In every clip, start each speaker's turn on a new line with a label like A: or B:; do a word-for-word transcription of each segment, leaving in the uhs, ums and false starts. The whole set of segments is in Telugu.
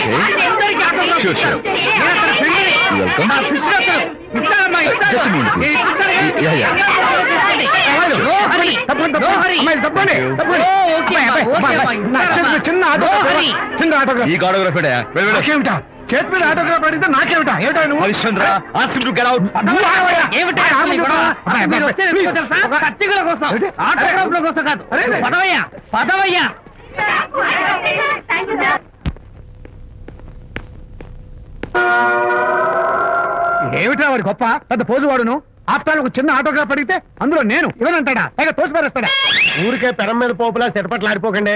A: షూర్ షూర్ వెల్కమ్ జస్ట్
B: చిన్న ఆటో చిన్న ఆటోగ్రాఫ్
A: ఈ ఆటోగ్రాఫ్
B: ఏమిటా చేతి మీద ఆటోగ్రాఫ్ అడిగితే నాకేమిటా ఏమిటా నువ్వు
A: Harishchandra ask to get out
C: పచ్చికల కోసం ఆటోగ్రాఫ్ల కోసం కాదు పదవయ్యా పదవయ్యా
B: ఏమిటా వాడి గొప్ప పెద్ద పోజు వాడును ఆప్తాలు ఒక చిన్న ఆటోగ్రాఫ్ అడిగితే అందులో నేను ఇవ్వనంటాడా పైగా తోసి పారేస్తాడా ఊరికే పెరం మీద పోపులా చెరపట్లు ఆడిపోకండి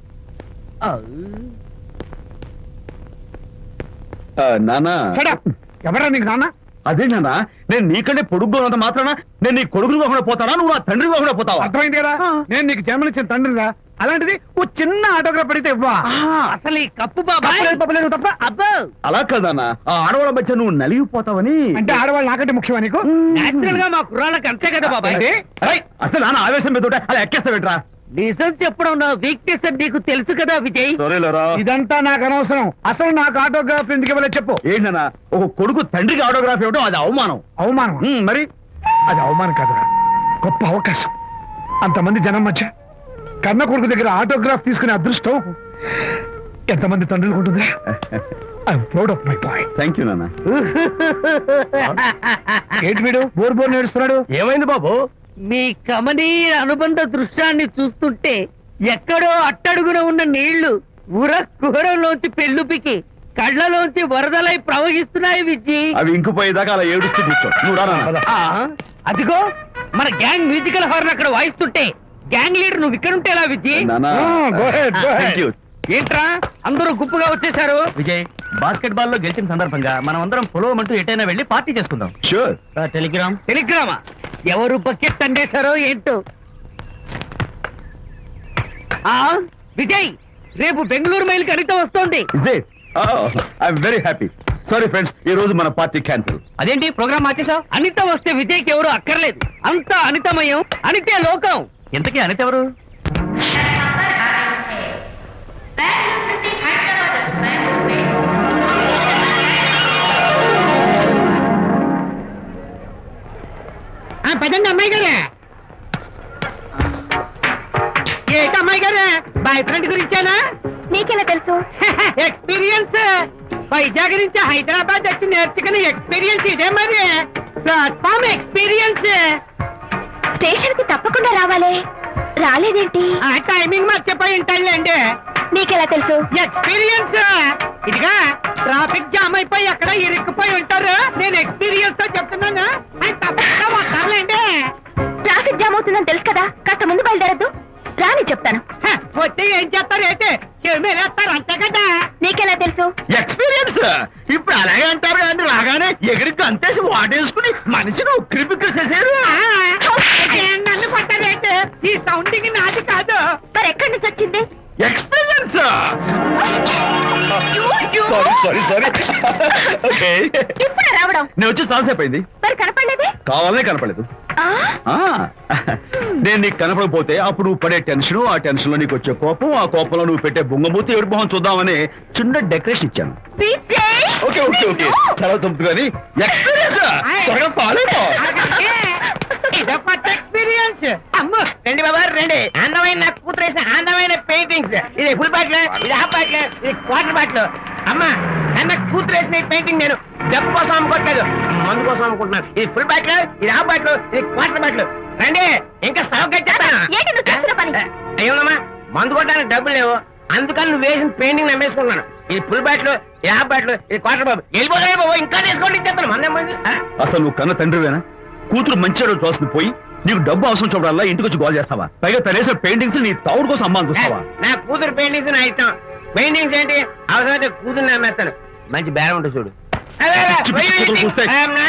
A: నానా
B: ఎవరా నీకు నాన్న
A: అదే నానా నేను నీకంటే పొడుగ్గా ఉన్నంత మాత్రాన నేను నీ కొడుకుని కాకుండా పోతానా నువ్వు నా తండ్రి కాకుండా పోతావా
B: అర్థమైంది కదా నేను నీకు జన్మనిచ్చిన తండ్రిరా అలాంటిది ఓ చిన్న ఆటోగ్రాఫ్ అడిగితే ఇవ్వా
C: అసలు ఈ కప్పు బాబా
B: తప్ప
C: అబ్బో
A: అలా కదన్నా ఆ ఆడవాళ్ళ మధ్య నువ్వు నలిగిపోతావని
B: అంటే ఆడవాళ్ళు నాకంటే ముఖ్యమా నీకు
C: నేచురల్ గా మా కుర్రాళ్ళకి అంతే కదా బాబాయ్
A: అసలు నాన్న ఆవేశం మీద అలా ఎక్కేస్తావేట్రా
C: నిజం చెప్పడం నా వీక్నెస్ అని నీకు తెలుసు కదా విజయ్
A: సరేలేరా
B: ఇదంతా నాకు అనవసరం అసలు నాకు ఆటోగ్రాఫ్ ఎందుకు ఇవ్వలేదు చెప్పు
A: ఏంటన్నా ఒక కొడుకు తండ్రికి ఆటోగ్రాఫ్ ఇవ్వడం అది అవమానం
B: అవమానం
A: ఉమ్, మరి
B: అది అవమానం కాదురా గొప్ప అవకాశం అంతమంది జనం మధ్య కన్న కొడుకు దగ్గర ఆటోగ్రాఫ్ తీసుకునే అదృష్టం ఎంతమంది తండ్రులకు ఉంటుంది I'm proud of my boy
A: thank you నాన్న
B: ఏంటి వీడు బోర్ బోర్ నేడుస్తున్నాడు
A: ఏమైంది బాబు
C: మీ కమనీయ అనుబంధ దృశ్యాన్ని చూస్తుంటే ఎక్కడో అట్టడుగున ఉన్న నీళ్లు ఉర కుహరంలోంచి పెళ్ళుపికి కళ్ళలోంచి వరదలై ప్రవహిస్తున్నాయి విజ్జి
A: అవి ఇంకుపోయేదాకా అలా ఏడుస్తూ కూర్చో నువ్వు రా నాన్న.
C: ఆ, అదిగో మన గ్యాంగ్ మ్యూజికల్ హార్న్ అక్కడ వాయిస్తుంటే గ్యాంగ్ లీడర్ నువ్వు ఇక్కడ ఉంటే ఎలా విజ్జి
A: నాన్న
B: go ahead, go ahead.
A: Thank you.
C: ఏంట్రా అందరూ గుంపుగా వచ్చేసారు
D: విజయ్ బాస్కెట్ బాల్ లో గెలిచిన సందర్భంగా మనం అందరం పొలవమంటూ ఎటైనా వెళ్ళి పార్టీ చేసుకుందాం
A: Sure.
D: టెలిగ్రామ్
C: టెలిగ్రామా ఎవరు బకెట్ అండేశారో ఏంటో ఆ విజయ్ రేపు బెంగళూరు మైల్కి అనిత వస్తోంది
A: Is it? Oh, I'm very happy. Sorry friends, ఈ రోజు మన పార్టీ క్యాన్సిల్.
C: అదేంటి ప్రోగ్రామ్ మార్చేసావు అనిత వస్తే విజయ్కి ఎవరు అక్కర్లేదు అంతా అనితమయం అనితే లోకం
D: ఇంతకీ అనిత ఎవరు
C: పదండి అమ్మాయి గారే ఏంటి అమ్మాయి గారే బాయ్ ఫ్రెండ్ గురించేనా
E: నీకెలా తెలుసు
C: ఎక్స్పీరియన్స్ వైజాగ్ నుంచి హైదరాబాద్ వచ్చి నేర్చుకునే ఎక్స్పీరియన్స్ ఇదే మరి ప్లాట్ఫామ్ ఎక్స్పీరియన్స్
E: స్టేషన్ కి తప్పకుండా రావాలే రాలేదేంటి
C: ఆ టైమింగ్ మర్చిపోయి ఉంటాడులేండి
E: నీకెలా తెలుసు
C: ఎక్స్పీరియన్స్ ఇదిగా ట్రాఫిక్ జామ్ అయిపోయి ఎక్కడ ఇరుక్కుపోయి ఉంటారు నేను ఎక్స్పీరియన్స్ తో చెప్తున్నాను ఆయన తప్పకుండా వస్తారులేండి
E: ట్రాఫిక్ జామ్ అవుతుందని తెలుసు కదా కాస్త ముందు బయలుదేరద్దు రాని చెప్తాను
C: హ, వస్తే ఏం చేస్తారు ఏంటి చెమేలేస్తారు అంతే కదా
E: నీకెలా తెలుసు
A: ఎక్స్పీరియన్స్ ఇప్పుడు అలాగే అంటారు కానీ రాగానే ఎగిరికి అంతేసి వాటేసుకుని మనిషిని ఉక్కిరి బిక్కిరి చేసేరు
C: ఆ, ఏ, నన్ను కొట్టారేంటి ఈ సౌండింగ్ నాది కాదు
E: మరి ఎక్కడి నుంచి వచ్చింది
A: experience sorry sorry sorry okay
E: ఇప్పుడు రావడం
A: నేను వచ్చి చాలాసేపు అయింది
E: మరి కనపడలేదే
A: కావాలనే కనపడలేదు
E: ఆ,
A: ఆ, నేను నీకు కనపడకపోతే అప్పుడు నువ్వు పడే టెన్షన్ ఆ టెన్షన్ లో నీకు వచ్చే కోపం ఆ కోపంలో నువ్వు పెట్టే బొంగమూతి ఏడు మొహం చూద్దామని చిన్న డెకరేషన్ ఇచ్చాను
E: విజయ్!
A: ఓకే ఓకే ఓకే చాలా తప్పు కానీ ఎక్స్పీరియన్స్ త్వరగా పాలేపో
C: ఇదో కొత్త ఎక్స్పీరియన్స్ అమ్ము రండి బాబా రండి అందమైన నాకు కూతురు వేసిన అందమైన పెయింటింగ్స్ ఇది ఫుల్ బాటిల్ ఇది హాఫ్ బాటిల్ ఇది క్వార్టర్ బాటిల్ అమ్మా అన్న కూతురు వేసిన ఈ పెయింటింగ్ నేను డబ్బు కోసం అమ్ముకోవట్లేదు మందు కోసం అమ్ముకుంటున్నాను ఇది ఫుల్ బాటిల్ ఇది హాఫ్ బాటిల్ ఇది క్వార్టర్ బాటిల్ రండి ఇంకా సౌకర్యం
E: ఏంటి నువ్వు చేస్తున్న పని?
C: అయ్యోనమ్మా మందు కొట్టడానికి డబ్బులు లేవు అందుకని నువ్వు వేసిన పెయింటింగ్ నమ్మేసుకుంటున్నాను ఇది ఫుల్ బాటిల్ ఇది హాఫ్ బాటిల్ ఇది క్వార్టర్ బాబు వెళ్ళిపోతాయి బాబు ఇంకా తీసుకోండి చెప్తాను మందేం
A: అసలు నువ్వు కన్న తండ్రివేనా కూతురు మంచిగా చూస్తుంది పోయి నీకు డబ్బు అవసరం చూడాలా ఇంటికి వచ్చి గోల్ చేస్తావా పైగా తనేసిన పెయింటింగ్స్ నీ తౌడు కోసం అమ్మాని చూస్తావా
C: నా కూతురు పెయింటింగ్స్ నా ఇష్టం పెయింటింగ్స్ ఏంటి అవసరమైతే కూతురు నమ్మేస్తాను మంచి బేరం ఉంటుంది చూడు
A: పిచ్చి పిచ్చి కూతురు చూస్తే.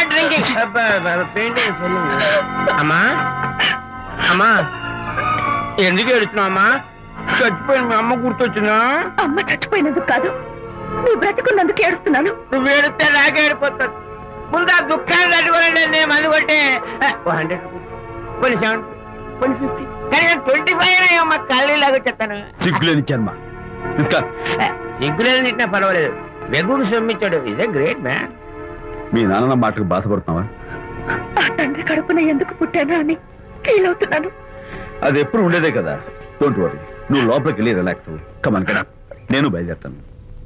C: అమ్మా అమ్మా ఎందుకు ఏడుస్తున్నావు అమ్మా చచ్చిపోయిన మీ అమ్మ గుర్తొచ్చిందా
E: అమ్మ చచ్చిపోయినందుకు కాదు నువ్వు బ్రతికున్నందుకు ఏడుస్తున్నాను
C: నువ్వు ఏడితే నాకే ఏడిపోతాను ముందు ఆ దుఃఖాన్ని తట్టుకోనండి నేను మందు కొట్టే హండ్రెడ్ రూపీస్ కొన్ని సెవెన్ కొన్ని ఫిఫ్టీ కానీ నేను ట్వంటీ ఫైవ్ అయ్యమ్మా కళ్ళు లాగా చెప్తాను
A: సిగ్గులేని జన్మ తీసుకా
C: సిగ్గులేదు తిట్టినా పర్వాలేదు వెగుడు సొమ్మిచ్చాడు ఇస్ ఏ గ్రేట్ మ్యాన్.
A: మీ నాన్న మాటకు బాధపడుతున్నావా?
E: ఆ తండ్రి కడుపున ఎందుకు పుట్టానా అని ఫీల్ అవుతున్నాను.
A: అది ఎప్పుడు ఉండేదే కదా. డోంట్ వరీ, నువ్వు లోపలికి వెళ్ళి రిలాక్స్ అవ్వు. కమాన్ కదా, నేను బయలుదేరుతాను.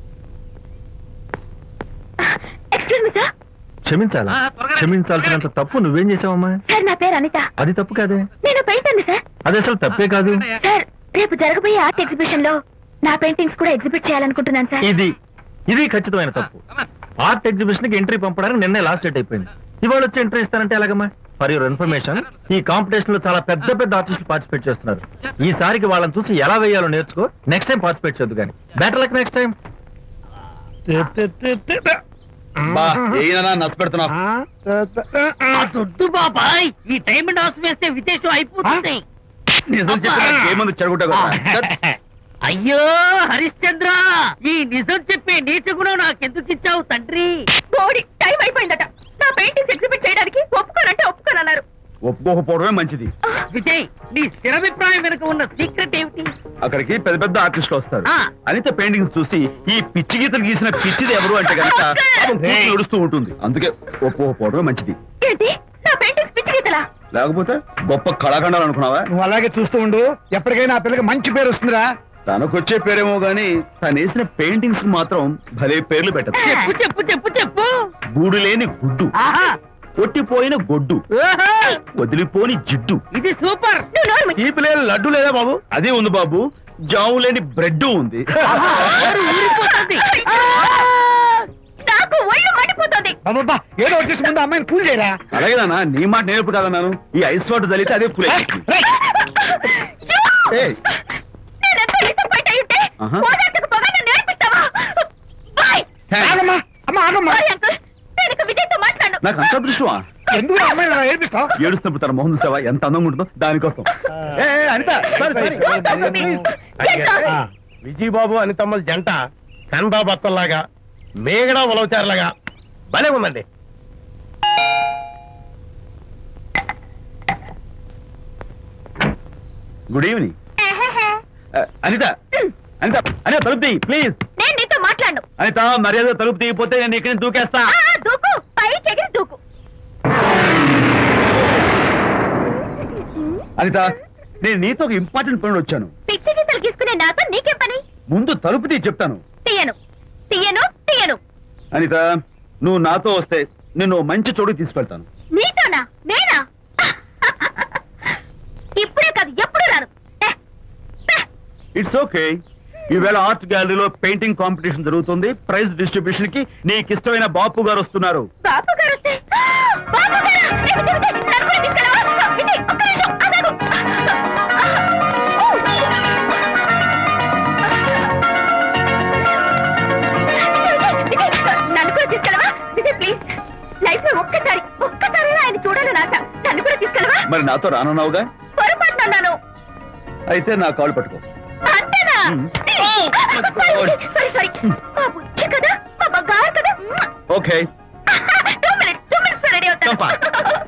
E: Excuse me sir.
F: క్షమించాలా? క్షమించాల్సినంత తప్పు నువ్వేం చేసావమ్మా?
E: సార్ నా పేరు అనిత.
F: అది తప్పు కాదే.
E: నేను పెయింటర్ సార్.
F: అది అసలు తప్పే కాదు.
E: సార్ రేపు జరగబోయే ఆర్ట్ ఎగ్జిబిషన్ లో నా పెయింటింగ్స్ కూడా ఎగ్జిబిట్ చేయాలనుకుంటున్నాను సార్.
F: ఇది ఇది ఖచ్చితమైన తప్పు. ఆర్ట్ ఎగ్జిబిషన్ కి ఎంట్రీ పంపడానికి నిన్నే లాస్ట్ డేట్ అయిపోయింది. ఇవాళ వచ్చి ఎంట్రీ ఇస్తానంటే ఎలాగమ్మా? ఫర్ యువర్ ఇన్ఫర్మేషన్, ఈ కాంపిటీషన్ లో చాలా పెద్ద పెద్ద ఆర్టిస్టులు పార్టిసిపేట్ చేస్తున్నారు. ఈసారికి వాళ్ళని చూసి ఎలా వేయాలో నేర్చుకో. నెక్స్ట్ టైం పార్టిసిపేట్ చేయొద్దు కానీ. Better luck next time.
A: బా ఏనా నచ్చ పెడుతున్నావు?
C: దొడ్డు బాబాయ్, ఈ డైమండ్ హౌస్ వేస్తే విశేషం అయిపోతుంది.
A: నిజం చెప్పిన ఏమంది చెడగొట్టావు కదా.
C: అయ్యో హరిశ్చంద్ర, ఈ నిజం చెప్పే నీచ గుణం నాకెందుకు ఇచ్చావు తండ్రి?
E: బోడి టైం అయిపోయిందట. నా పెయింటింగ్స్ ఎగ్జిబిట్ చేయడానికి ఒప్పుకోనంటే ఒప్పుకోనన్నారు.
A: ఒప్పుకోకపోవడమే మంచిది.
C: విజయ్, నీ స్థిరాభిప్రాయం వెనుక ఉన్న సీక్రెట్ ఏమిటి?
A: అక్కడికి పెద్ద పెద్ద ఆర్టిస్టులు వస్తారు.
C: ఆ.
A: అనిత పెయింటింగ్స్ చూసి ఈ పిచ్చి గీతలు గీసిన పిచ్చిది ఎవరు అంటే కనుక పాపం కూతురు ఏడుస్తూ ఉంటుంది. అందుకే ఒప్పుకోకపోవడమే మంచిది.
E: ఏంటి నా పెయింటింగ్స్ పిచ్చి గీతలా?
A: లేకపోతే గొప్ప కళాఖండాలు అనుకున్నావా?
B: నువ్వు అలాగే చూస్తూ ఉండు. ఎప్పటికైనా ఆ పిల్లకి మంచి పేరు వస్తుందిరా.
A: తనకొచ్చే పేరేమో గాని తను వేసిన పెయింటింగ్స్ కు మాత్రం భలే పేర్లు పెట్టదు.
C: చెప్పు చెప్పు చెప్పు చెప్పు.
A: గూడు లేని గుడ్డు,
C: ఆహా,
A: కొట్టిపోయిన గొడ్డు,
C: ఓహో,
A: వదిలిపోని జిడ్డు.
C: ఇది సూపర్.
E: నువ్వు నోరు మూయి.
A: ఈ పిల్లలు లడ్డు లేదా బాబు? అదే ఉంది బాబు. జాము లేని బ్రెడ్ ఉంది.
C: ఆహా, నోరు ఊరిపోతుంది.
E: నాకు ఒళ్ళు మండిపోతుంది.
B: అబ్బబ్బా, ఏదో వచ్చేసి ముందు అమ్మాయిని పూజ చేయరా.
A: అలాగే నాన్న, నీ మాట నేర్పు కదన్నాను. ఈ ఐస్ వాటర్ చల్లితే అదే ఫుల్
E: నేనెంత disappoint అయి ఉంటే
A: ఆహా.
E: ఓదార్చకు పోగా నన్ను నేర్పిస్తావా? బాయ్.
B: ఆగమ్మా, అమ్మ ఆగమ్మా.
E: సారీ అంకుల్, నేను ఇక విజయ్తో మాట్లాడను.
A: నాకు అంత దృష్టమా?
B: ఎందుకు ఆ అమ్మాయిని అలా ఏడిపిస్తావు?
A: ఏడుస్తున్నప్పుడు తన మొహం చూసావా ఎంత అందంగా ఉంటుందో? దానికోసం. ఏ, ఏ, Anitha, sorry, sorry.
E: Don't talk to me. Get lost.
G: Vijaya Babu అనితమ్మల జంట కన్బా బత్తల్లాగా మేగడ ఉలవచారులాగా భలే ఉందండి.
A: Good evening.
E: ఎహెహె.
A: అనిత, అనిత, అనిత తలుపు తీయి ప్లీజ్.
E: నేను నీతో మాట్లాడను.
A: అనిత, మర్యాద తలుపు తీయకపోతే నేను ఇక్కడి నుంచి దూకేస్తా.
E: ఆ, దూకు, పైకి ఎగిరి దూకు.
A: అనిత, నేను నీతో ఒక ఇంపార్టెంట్ పని వచ్చాను.
E: పిచ్చి గీతలు గీసుకునే నాతో నీకేం పని?
A: ముందు తలుపు తీయి చెప్తాను.
E: తీయను తీయను తీయను.
A: అనిత, నువ్వు నాతో వస్తే నిన్ను ఓ మంచి చోటుకి తీసుకెళ్తాను.
E: నీతోనా? నేనా? ఇప్పుడే కాదు ఎప్పుడు రాను. ఏ, ఏ.
A: It's okay. ఈవేళ ఆర్ట్ గ్యాలరీలో పెయింటింగ్ కాంపిటీషన్ జరుగుతుంది. ప్రైజ్ డిస్ట్రిబ్యూషన్ కి నీకు ఇష్టమైన బాపు గారు వస్తున్నారు.
E: బాపు గారు వస్తే బాపు గారా? ఏ, విజయ్, విజయ్, నన్ను కూడా తీసుకెళ్ళవా? విజయ్, ఒక్క నిమిషం ఆగాగు. విజయ్, విజయ్, నన్ను కూడా తీసుకెళ్ళవా? విజయ్ ప్లీజ్, లైఫ్ లో ఒక్కసారి ఒక్కసారి ఆయన చూడాలని ఆశ. నన్ను కూడా తీసుకెళ్ళవా?
A: మరి నాతో రానున్నావుగా?
E: పొరపాటున అన్నాను.
A: అయితే నా కాల్ పట్టుకో.
E: అంతేనా?
A: మ్మ్.
E: Sorry sorry. మా బుజ్జి కదా, మా బంగారు కదా.
A: Okay.
E: Two minutes two minutes ready అవుతాను.
A: Come fast.